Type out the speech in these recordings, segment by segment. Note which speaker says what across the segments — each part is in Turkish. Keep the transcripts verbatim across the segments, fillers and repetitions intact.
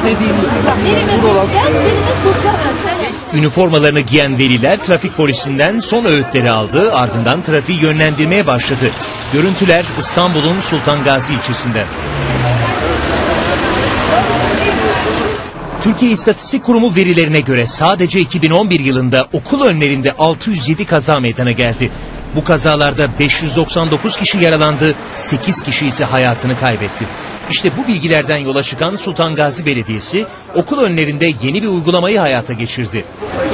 Speaker 1: dediğimiz buralar.
Speaker 2: Üniformalarını giyen veliler trafik polisinden son öğütleri aldı, ardından trafiği yönlendirmeye başladı. Görüntüler İstanbul'un Sultan Gazi ilçesinden. Türkiye İstatistik Kurumu verilerine göre sadece iki bin on bir yılında okul önlerinde altı yüz yedi kaza meydana geldi. Bu kazalarda beş yüz doksan dokuz kişi yaralandı, sekiz kişi ise hayatını kaybetti. İşte bu bilgilerden yola çıkan Sultan Gazi Belediyesi okul önlerinde yeni bir uygulamayı hayata geçirdi.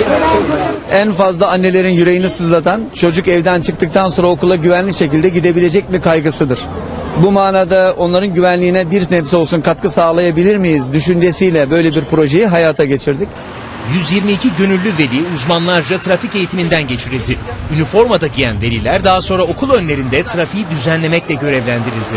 Speaker 3: En fazla annelerin yüreğini sızlatan çocuk evden çıktıktan sonra okula güvenli şekilde gidebilecek mi kaygısıdır. Bu manada onların güvenliğine bir nebze olsun katkı sağlayabilir miyiz düşüncesiyle böyle bir projeyi hayata geçirdik.
Speaker 2: yüz yirmi iki gönüllü veli uzmanlarca trafik eğitiminden geçirildi. Üniformada giyen veliler daha sonra okul önlerinde trafiği düzenlemekle görevlendirildi.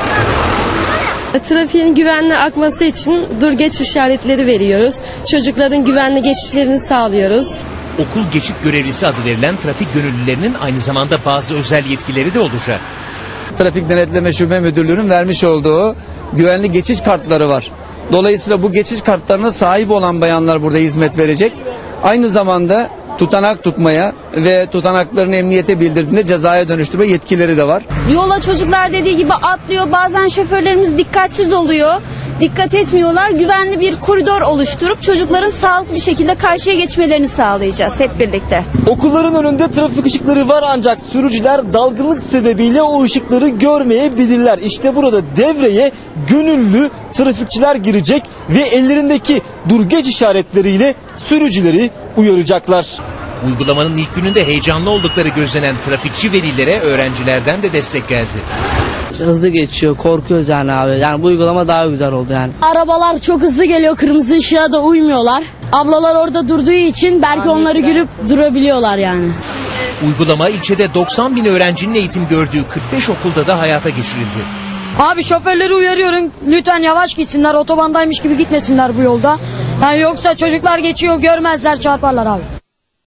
Speaker 4: Trafiğin güvenli akması için dur geç işaretleri veriyoruz. Çocukların güvenli geçişlerini sağlıyoruz.
Speaker 2: Okul geçit görevlisi adı verilen trafik gönüllülerinin aynı zamanda bazı özel yetkileri de olacak.
Speaker 3: Trafik Denetleme Şube Müdürlüğü'nün vermiş olduğu güvenli geçiş kartları var. Dolayısıyla bu geçiş kartlarına sahip olan bayanlar burada hizmet verecek. Aynı zamanda tutanak tutmaya ve tutanaklarını emniyete bildirdiğinde cezaya dönüştürme yetkileri de var.
Speaker 5: Yola çocuklar dediği gibi atlıyor. Bazen şoförlerimiz dikkatsiz oluyor. Dikkat etmiyorlar. Güvenli bir koridor oluşturup çocukların sağlıklı bir şekilde karşıya geçmelerini sağlayacağız hep birlikte.
Speaker 6: Okulların önünde trafik ışıkları var ancak sürücüler dalgınlık sebebiyle o ışıkları görmeyebilirler. İşte burada devreye gönüllü trafikçiler girecek ve ellerindeki dur geç işaretleriyle sürücüleri uyaracaklar.
Speaker 2: Uygulamanın ilk gününde heyecanlı oldukları gözlenen trafikçi velilere öğrencilerden de destek geldi.
Speaker 7: Hızlı geçiyor, korkuyoruz yani abi. Yani bu uygulama daha güzel oldu yani.
Speaker 4: Arabalar çok hızlı geliyor, kırmızı ışığa da uymuyorlar. Ablalar orada durduğu için belki onları görüp durabiliyorlar yani.
Speaker 2: Uygulama ilçede doksan bin öğrencinin eğitim gördüğü kırk beş okulda da hayata geçirildi.
Speaker 4: Abi şoförleri uyarıyorum, lütfen yavaş gitsinler, otobandaymış gibi gitmesinler bu yolda. Yani yoksa çocuklar geçiyor, görmezler, çarparlar abi.